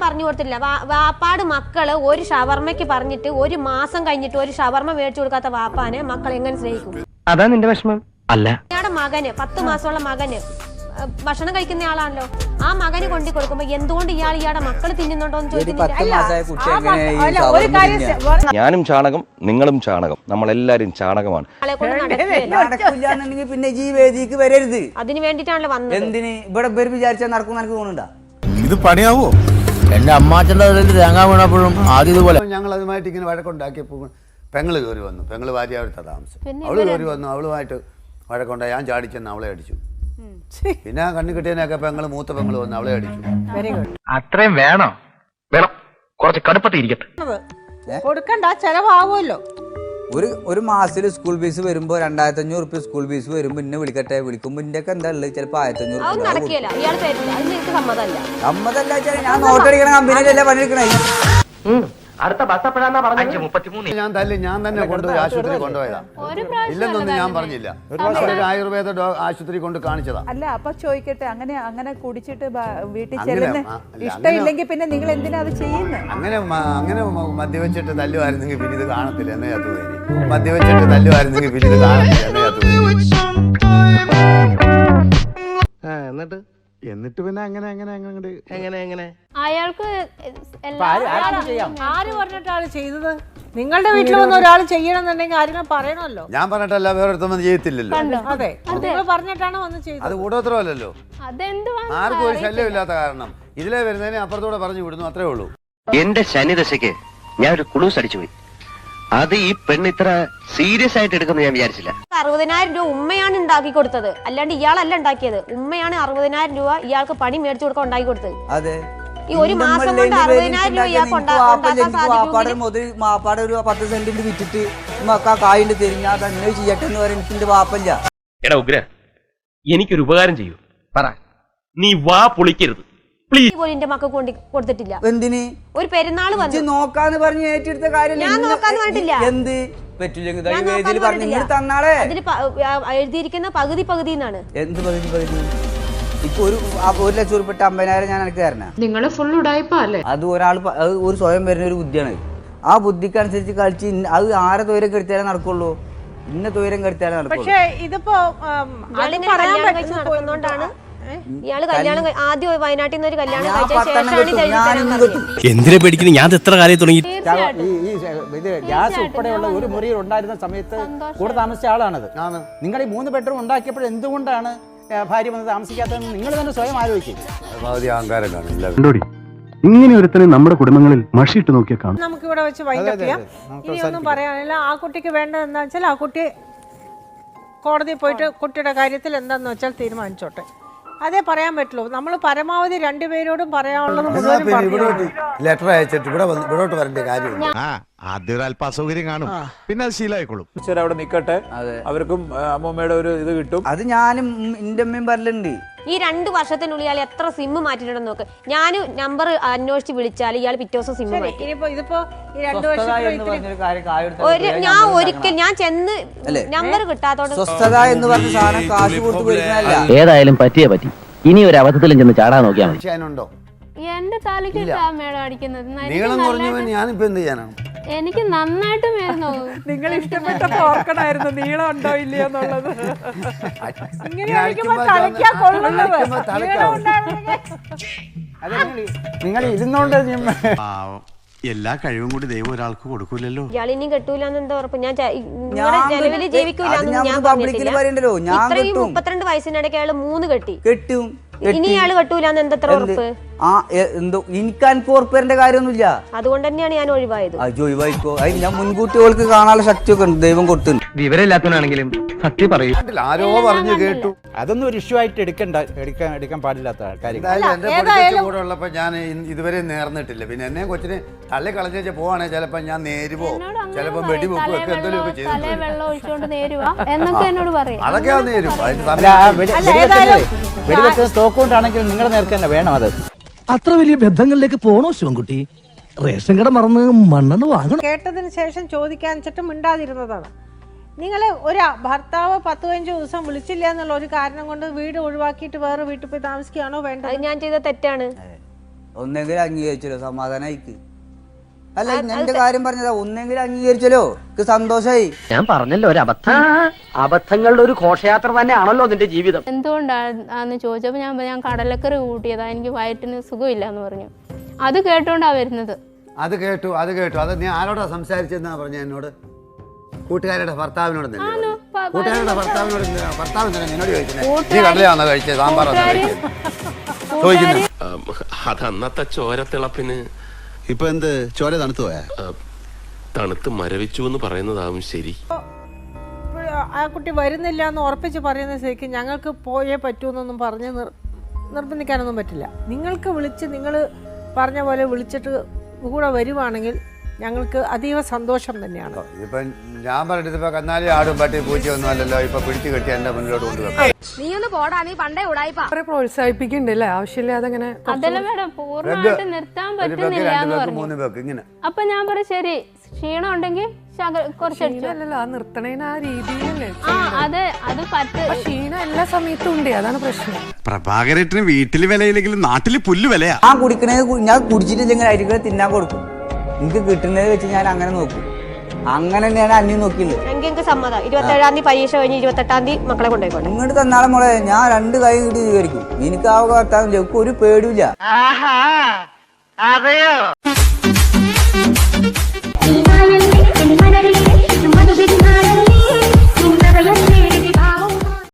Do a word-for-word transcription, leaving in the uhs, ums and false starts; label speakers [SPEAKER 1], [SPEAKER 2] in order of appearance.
[SPEAKER 1] പറഞ്ഞു കൊടുത്തില്ല. വാപ്പാട് മക്കള് ഒരു ഷവർമ്മയ്ക്ക് പറഞ്ഞിട്ട് ഒരു മാസം കഴിഞ്ഞിട്ട് ഒരു ഷവർമ്മ മേടിച്ചു കൊടുക്കാത്ത വാപ്പാനെ മക്കൾ എങ്ങനെ സ്നേഹിക്കും?
[SPEAKER 2] അതാ നിന്റെ വിഷമം അല്ല.
[SPEAKER 1] ഇയാളുടെ മകന് പത്ത് മാസമുള്ള മകന് ഭക്ഷണം കഴിക്കുന്ന ആളാണല്ലോ. ആ മകന് കൊണ്ടു കൊടുക്കുമ്പോ എന്തുകൊണ്ട് ഇയാൾ ഇയാളുടെ മക്കള് തിന്നുന്നുണ്ടോ എന്ന് ചോദിക്കുന്നില്ല.
[SPEAKER 3] ഞാനും ചാണകം, നിങ്ങളും ചാണകം, നമ്മളെല്ലാരും ചാണകമാണ്.
[SPEAKER 4] പിന്നെ ഈ വേദിക്ക് വരരുത്.
[SPEAKER 1] അതിന് വേണ്ടിട്ടാണല്ലോ വന്നത്.
[SPEAKER 4] എന്തിന് ഇവിടെ വിചാരിച്ചാൽ നടക്കും എനിക്ക് തോന്നുന്നുണ്ടാ?
[SPEAKER 5] ഇത് പണിയാവോ?
[SPEAKER 6] എന്റെ അമ്മാച്ചന്റെ തേങ്ങ വീണപ്പോഴും ആദ്യം ഇതുപോലെ
[SPEAKER 5] ഞങ്ങൾ അതുമായിട്ട് ഇങ്ങനെ വഴക്കുണ്ടാക്കിയപ്പോൾ പെങ്ങള് കയറി വന്നു. പെങ്ങള് ഭാര്യ അവിടുത്തെ താമസം. അവള് കയറി വന്നു. അവളുമായിട്ട് വഴക്കുണ്ടായി. ഞാൻ ചാടിച്ചെന്ന് അവളെ അടിച്ചു. പിന്നെ കണ്ണു കിട്ടിയതിനൊക്കെ പെങ്ങള് മൂത്ത പെങ്ങള് വന്നു അവളെ അടിച്ചു.
[SPEAKER 2] അത്രയും വേണോ? വേണം, കുറച്ച് കടുപ്പത്തിൽ ഇരിക്കട്ടെ.
[SPEAKER 7] കൊടുക്കണ്ട, ചെലവാകുമല്ലോ.
[SPEAKER 4] ഒരു ഒരു മാസത്തിൽ സ്കൂൾ ഫീസ് വരുമ്പോ രണ്ടായിരത്തി അഞ്ഞൂറ് റുപ്യ സ്കൂൾ ഫീസ് വരുമ്പോ ഇന്നെ വിളിക്കട്ടെ. വിളിക്കുമ്പോ ഇന്റെ ഒക്കെ എന്താ ഉള്ളത്? ചിലപ്പോ ആയിരത്തി അഞ്ഞൂറ് സമ്മതല്ല. ഞാൻ നോട്ടടിക്കണ കമ്പനിയിലല്ലേ പണിയെടുക്കണേ.
[SPEAKER 2] അടുത്ത ബസ് എപ്പോഴാന്നാ പറഞ്ഞത്?
[SPEAKER 5] ഞാൻ തല്ലി ഞാൻ തന്നെ കൊണ്ടുപോയി ആശുപത്രി കൊണ്ടുപോയതാ. ഇല്ലെന്നൊന്നും ഞാൻ പറഞ്ഞില്ല. ഒരു ആയുർവേദ ആശുപത്രി കൊണ്ട് കാണിച്ചതാ.
[SPEAKER 7] അല്ല, അപ്പൊ ചോദിക്കട്ടെ, അങ്ങനെ അങ്ങനെ കുടിച്ചിട്ട് വീട്ടിൽ ചെല്ലുന്ന ഇഷ്ടമില്ലെങ്കിൽ പിന്നെ നിങ്ങൾ എന്തിനാ അത് ചെയ്യുന്നത്?
[SPEAKER 5] അങ്ങനെ അങ്ങനെ മദ്യവെച്ചിട്ട് തല്ലുമായിരുന്നെങ്കിൽ പിന്നെ ഇത് കാണത്തില്ല എന്നേ തോന്നി. മദ്യവെച്ചിട്ട് തല്ലുമായിരുന്നെങ്കിൽ പിന്നെ ഇത് കാണത്തില്ല എന്നേ തോന്നി.
[SPEAKER 2] എന്നിട്ട്
[SPEAKER 5] എന്നിട്ട് പിന്നെ അങ്ങനെ അങ്ങനെ അങ്ങനെ
[SPEAKER 2] എങ്ങനെ എങ്ങനെ
[SPEAKER 8] അയാൾക്ക്
[SPEAKER 7] ആര് പറഞ്ഞിട്ടാണ് ചെയ്തത്? നിങ്ങളുടെ വീട്ടിൽ വന്ന് ഒരാൾ ചെയ്യണമെന്നുണ്ടെങ്കിൽ ആരെങ്കിലും പറയണമല്ലോ.
[SPEAKER 5] ഞാൻ പറഞ്ഞിട്ടല്ല വേറൊരുത്തൊന്നും ചെയ്യത്തില്ലല്ലോ.
[SPEAKER 7] അതെ, നിങ്ങൾ പറഞ്ഞിട്ടാണ് വന്ന് ചെയ്തത്.
[SPEAKER 5] അത് കൂടോത്രമല്ലല്ലോ. ആർക്കും ഒരു ശല്യമില്ലാത്ത കാരണം ഇതിലെ വരുന്നതിനെ അപ്പുറത്തൂടെ പറഞ്ഞു വിടുന്നു, അത്രേ ഉള്ളൂ.
[SPEAKER 2] എന്റെ ശനിദശയ്ക്ക് ഞാൻ ഒരു കുളൂസ് അടിച്ചു പോയി. അത് ഈ പെണ്ണ് ഇത്ര സീരിയസ് ആയിട്ട് എടുക്കുന്ന ഞാൻ വിചാരിച്ചില്ല.
[SPEAKER 1] അറുപതിനായിരം രൂപ ഉമ്മയാണ് ഉണ്ടാക്കി കൊടുത്തത്, അല്ലാണ്ട് ഇയാളല്ല ഉണ്ടാക്കിയത്. ഉമ്മയാണ് അറുപതിനായിരം രൂപ ഇയാൾക്ക് പണി മേടിച്ചു കൊടുക്കാൻ ഉണ്ടാക്കി കൊടുത്തത്.
[SPEAKER 4] അതെ,
[SPEAKER 1] ഈ ഒരു മാസം കൊണ്ട് അറുപതിനായിരം രൂപ ഇയാൾക്ക്
[SPEAKER 4] മാപ്പാടെ ഒരു പത്ത് സെന്റിന്റെ വിറ്റിട്ട് മക്ക കായിന്റെ തിരിഞ്ഞാ തന്നെ ചെയ്യട്ടെ എന്ന് പറയാൻ എനിക്ക് വാപ്പല്ല.
[SPEAKER 3] എടാ ഉഗ്ര, എനിക്കൊരു ഉപകാരം ചെയ്യൂ. പറ, നീ വാ പൊളിക്കരുത് പ്ലീസ്.
[SPEAKER 1] എന്റെ മക്കൾക്ക് കൊണ്ട് കൊടുത്തിട്ടില്ല.
[SPEAKER 4] എന്തിന്?
[SPEAKER 1] ഒരു പെരുന്നാള് വന്നു
[SPEAKER 4] നോക്കാന്ന് പറഞ്ഞ് ഏറ്റെടുത്ത കാര്യം
[SPEAKER 1] ഞാൻ നോക്കാന്ന് പറഞ്ഞിട്ടില്ല.
[SPEAKER 4] എന്ത് പറ്റില്ലെങ്കിൽ തന്നാളെ
[SPEAKER 1] അതിന് എഴുതിയിരിക്കുന്ന പകുതി പകുതി എന്നാണ്.
[SPEAKER 4] എന്ത് പകുതി പകുതി? ഇപ്പൊ ഒരു ഒരു ലക്ഷം ഉൾപ്പെട്ട അമ്പതിനായിരം ഞാൻ എനിക്ക് തരണ.
[SPEAKER 8] നിങ്ങള് ഫുൾ ഉടായിപ്പല്ലേ?
[SPEAKER 4] അത് ഒരാൾ ഒരു സ്വയം വരുന്ന ഒരു ബുദ്ധിയാണ്. ആ ബുദ്ധിക്ക് അനുസരിച്ച് കളിച്ച് അത് ആരെ തൊയിരം കെടുത്താലേ നടക്കുള്ളൂ. ഇന്ന തൊയിരം കെടുത്താലേ നടക്കുള്ളൂ.
[SPEAKER 7] പക്ഷേ ഇതിപ്പോ
[SPEAKER 1] നടക്കുന്നോണ്ടാണ് ഇയാള് കല്യാണം ആദ്യം വയനാട്ടിൽ നിന്ന് ഒരു കല്യാണം കഴിച്ച
[SPEAKER 6] എന്തിനെ പേടിക്കുന്നു? ഞാൻ എത്ര കാര്യം തുടങ്ങി.
[SPEAKER 9] ഇത് ഗ്യാസ് ഉൾപ്പെടെയുള്ള ഒരു മുറിയിൽ ഉണ്ടായിരുന്ന സമയത്ത് കൂടെ താമസിച്ച ആളാണത്. നിങ്ങൾ ഈ മൂന്ന് ബെഡ്റൂം ഉണ്ടാക്കിയപ്പോൾ എന്തുകൊണ്ടാണ് ഭാര്യ വന്ന് താമസിക്കാത്തതെന്ന് നിങ്ങൾ തന്നെ സ്വയം ആലോചിക്കും.
[SPEAKER 10] ഇങ്ങനെ ഒരുത്തനെ നമ്മുടെ കുടുംബങ്ങളിൽ മഷിയിട്ട് നോക്കിയാൽ കാണും.
[SPEAKER 7] നമുക്ക് ഇവിടെ വെച്ച് വൈൻഡപ്പ് ചെയ്യാം. ഇനി ഒന്നും പറയാനില്ല. ആ കുട്ടിക്ക് വേണ്ടത് എന്താ വെച്ചാൽ ആ കുട്ടി കോടതിയിൽ പോയിട്ട് കുട്ടിയുടെ കാര്യത്തിൽ എന്താന്ന് വെച്ചാൽ തീരുമാനിച്ചോട്ടെ. അതേ പറയാൻ പറ്റുള്ളൂ. നമ്മൾ പരമാവധി രണ്ടുപേരോടും പറയാനുള്ളത്
[SPEAKER 5] ലെറ്റർ അയച്ചിട്ട് ഇവിടെ ഇവിടോട്ട് വരേണ്ട കാര്യം.
[SPEAKER 10] ആദ്യം ഒരു അല്പ അസൗകര്യം കാണും, പിന്നെ അത് ശീലമായിക്കോളും.
[SPEAKER 9] അവിടെ നിൽക്കട്ടെ, അവർക്കും അമ്മൂമ്മയുടെ ഒരു ഇത് കിട്ടും.
[SPEAKER 4] അത് ഞാനും എന്റെ അമ്മയും പറയലുണ്ട്.
[SPEAKER 1] ഈ രണ്ട് വർഷത്തിനുള്ളിൽ ഇയാൾ എത്ര സിമ്മ് മാറ്റിയിട്ടുണ്ടെന്ന് നോക്ക്. ഞാൻ നമ്പർ അന്വേഷിച്ച് വിളിച്ചാൽ ഇയാൾ പിറ്റേ ദിവസം സിമ്മ് മാറ്റി. ഒരു ഞാൻ ഒരിക്കൽ ഞാൻ ചെന്ന് നമ്പർ കിട്ടാത്തോണ്ട്
[SPEAKER 4] സ്വസ്ഥത എന്ന് പറഞ്ഞ സാധനം കാശ് കൊടുത്ത് വരുന്നതല്ല.
[SPEAKER 6] ഏതായാലും പറ്റിയേ പറ്റി. ഇനി ഒരു അബദ്ധത്തിലും ചെന്ന് ചാടാൻ നോക്കിയാൽ മതി.
[SPEAKER 8] എന്റെ തലയ്ക്ക് മേടം അടിക്കുന്നത്
[SPEAKER 5] ഞാനിപ്പോ എന്ത് ചെയ്യാനാണ്?
[SPEAKER 8] എനിക്ക് നന്നായിട്ട് മേരുന്നു.
[SPEAKER 7] നിങ്ങൾ ഇഷ്ടപ്പെട്ടപ്പോ ഓർക്കണായിരുന്നു നീളം ഉണ്ടോ ഇല്ലയോ എന്നുള്ളത്.
[SPEAKER 9] നിങ്ങൾ ഇരുന്നോണ്ട്
[SPEAKER 10] എല്ലാ കഴിവും കൂടി ദൈവം ഒരാൾക്ക് കൊടുക്കൂലല്ലോ.
[SPEAKER 1] ഇയാൾ ഇനിയും കെട്ടൂലെന്ന് എന്താ ഉറപ്പ്? ഞാൻ ജലവില് ജീവിക്കൂലെന്ന് ഞാൻ പറഞ്ഞിട്ടില്ല. ഇത്രയും മുപ്പത്തിരണ്ട് വയസ്സിനിടയ്ക്ക് അയാൾ മൂന്ന് കെട്ടി
[SPEAKER 4] കെട്ടും.
[SPEAKER 1] ഇനി ഇയാള് കെട്ടൂലെന്ന് എന്തത്ര ഉറപ്പ്?
[SPEAKER 4] ആ എന്തോ എനിക്ക് അൻപോർപ്പേരന്റെ കാര്യമൊന്നുമില്ല.
[SPEAKER 1] അതുകൊണ്ട് തന്നെയാണ് ഞാൻ ഒഴിവായത്.
[SPEAKER 4] ഒഴിവായിക്കോ. അത് ഞാൻ മുൻകൂട്ടി ഓൾക്ക് കാണാനുള്ള ശക്തിയൊക്കെ ഉണ്ട് ദൈവം കൊടുത്തിട്ടുണ്ട്.
[SPEAKER 6] വിവരമില്ലാത്തവനാണെങ്കിലും സത്യം പറയും.
[SPEAKER 5] ആരോ പറഞ്ഞു കേട്ടു.
[SPEAKER 9] അതൊന്നും ഒരു ഇഷ്യൂ ആയിട്ട് എടുക്കണ്ട, എടുക്കാൻ എടുക്കാൻ പാടില്ലാത്ത കാര്യം.
[SPEAKER 5] എന്റെ കൂടെ ഉള്ളപ്പോ ഞാൻ ഇതുവരെ നേർന്നിട്ടില്ല. പിന്നെ എന്നെ കൊച്ചിനെ തള്ളി കളഞ്ഞ പോവാണെങ്കിൽ ചിലപ്പോ ഞാൻ നേരുവോ ചിലപ്പോ വെടിവെക്കോ ഒക്കെ എന്തെങ്കിലും ഒക്കെ ചെയ്തു. അതൊക്കെ നേരും.
[SPEAKER 9] വെടിവെക്കുന്ന സ്റ്റോക്ക് കൊണ്ടാണെങ്കിൽ നിങ്ങളുടെ നേർക്ക് തന്നെ വേണം. അത്
[SPEAKER 6] അത്ര വലിയ ബന്ധങ്ങളിലേക്ക് പോണോ ശിവൻകുട്ടി? റേഷൻ കട മറന്ന് മണ്ണെണ്ണ വാങ്ങണം.
[SPEAKER 7] കേട്ടതിന് ശേഷം ചോദിക്കാൻ വെച്ചിട്ട് മിണ്ടാതിരുന്നതാണ്. നിങ്ങൾ ഒരു ഭർത്താവ് പത്ത് പതിനഞ്ച് ദിവസം വിളിച്ചില്ല എന്നുള്ള ഒരു കാരണം കൊണ്ട് വീട് ഒഴിവാക്കിയിട്ട് വേറെ വീട്ടിൽ പോയി താമസിക്കുകയാണോ വേണ്ടത്?
[SPEAKER 1] ഞാൻ ചെയ്ത തെറ്റാണ്.
[SPEAKER 4] ഒന്നെങ്കിലും അംഗീകരിച്ചല്ലോ, സമാധാനമായിക്ക്. അല്ല എന്റെ കാര്യം പറഞ്ഞതാ, ഒന്നെങ്കിലും അംഗീകരിച്ചല്ലോ, എനിക്ക് സന്തോഷായി.
[SPEAKER 11] ഞാൻ പറഞ്ഞല്ലോ ഒരു അബദ്ധം. അബദ്ധങ്ങളുടെ ഒരു ഘോഷയാത്ര തന്നെയാണല്ലോ നിന്റെ ജീവിതം.
[SPEAKER 8] എന്തുകൊണ്ടാന്ന് ചോദിച്ചപ്പോൾ ഞാൻ പറഞ്ഞു, ഞാൻ കടലക്കറി കൂട്ടിയതാ, എനിക്ക് വയറ്റിന് സുഖമില്ല എന്ന് പറഞ്ഞു. അത് കേട്ടോണ്ടാ വരുന്നത്.
[SPEAKER 5] അത് കേട്ടു അത് കേട്ടു അത് നീ ആരോടാ സംസാരിച്ചെന്നാ പറഞ്ഞ എന്നോട്? കൂട്ടുകാരുടെ ഭർത്താവിനോട് കൂട്ടുകാരുടെ ഭർത്താവിനോട് ഭർത്താവ് നിന്നോട് ചോദിച്ചേ, നീ കടലാണോ കഴിച്ചത്, സാമ്പാറാണോ കഴിച്ചത് ചോദിക്കുന്നത്?
[SPEAKER 3] അത് അന്നത്തെ ചോരത്തിളപ്പിന്
[SPEAKER 10] ഇപ്പൊ എന്ത് ചോര തണുത്തു പോയാ?
[SPEAKER 3] തണുത്ത് മരവിച്ചു എന്ന് പറയുന്നതാവും ശരി.
[SPEAKER 7] ആ കുട്ടി വരുന്നില്ല എന്ന് ഉറപ്പിച്ച് പറയുന്ന സ്ഥിതിക്ക് ഞങ്ങൾക്ക് പോയേ പറ്റൂന്നൊന്നും പറഞ്ഞ് നിർബന്ധിക്കാനൊന്നും പറ്റില്ല. നിങ്ങൾക്ക് വിളിച്ച് നിങ്ങൾ പറഞ്ഞ പോലെ വിളിച്ചിട്ട് കൂടെ വരുവാണെങ്കിൽ ഞങ്ങൾക്ക് അതീവ സന്തോഷം തന്നെയാണ്.
[SPEAKER 5] ഇപ്പൊ ഞാൻ പറഞ്ഞിട്ട് ഇപ്പൊ കന്നാലി ആടും പട്ടി പൂച്ചയൊന്നും അല്ലല്ലോ, ഇപ്പൊ പിടിച്ചു കെട്ടി എന്റെ മുന്നിലോട്ട് കൊണ്ടുവെക്കാം.
[SPEAKER 1] നീ ഒന്ന് പോടാ, നീ പണ്ടേ ഉടായിപ്പാ.
[SPEAKER 7] പ്രോത്സാഹിപ്പിക്കണ്ടല്ലേ, ആവശ്യമില്ലാതെ അങ്ങനെ.
[SPEAKER 8] അതല്ല മേഡം, പൂർണ്ണമായിട്ട് നിർത്താൻ പറ്റുന്നില്ല എന്ന് പറഞ്ഞു.
[SPEAKER 5] മൂന്ന് പേർക്ക് ഇങ്ങനെ.
[SPEAKER 8] അപ്പൊ ഞാൻ പറയും ശരി, ക്ഷീണം ഉണ്ടെങ്കിൽ കുറച്ചടിച്ചല്ലോ.
[SPEAKER 7] ആ നിർത്തണേന് ആ രീതിയിലല്ലേ.
[SPEAKER 8] ആ അതെ, അത് പറ്റ
[SPEAKER 7] ക്ഷീണം എല്ലാ സമയത്തും ഉണ്ട്, അതാണ് പ്രശ്നം.
[SPEAKER 10] പ്രഭാകരേട്ടന് വീട്ടില് വിലയില്ലെങ്കിലും നാട്ടില് പുല്ല് വിലയാ.
[SPEAKER 4] ഞാൻ കുടിക്കണത് ഞാൻ കുടിച്ചിട്ടില്ലെങ്കിൽ അരികളെ തിന്നാൻ കൊടുക്കും. എനിക്ക് കിട്ടുന്നത് വെച്ച് ഞാൻ അങ്ങനെ നോക്കും. അങ്ങനെ തന്നെയാണ് അന്യം നോക്കിയില്ല.
[SPEAKER 1] എനിക്ക് സമ്മതം. ഇരുപത്തേഴാം തീയതി പരീക്ഷ കഴിഞ്ഞ് ഇരുപത്തെട്ടാം തീയതി മക്കളെ കൊണ്ടുപോയിക്കോട്ടെ.
[SPEAKER 4] ഇങ്ങോട്ട് തന്നാളെ മോളെ, ഞാൻ രണ്ട് കൈ കിട്ടി സ്വീകരിക്കും. എനിക്ക് ആ ഭർത്താവില്ല, എനിക്ക് ഒരു പേടിയില്ല.
[SPEAKER 12] ിൽ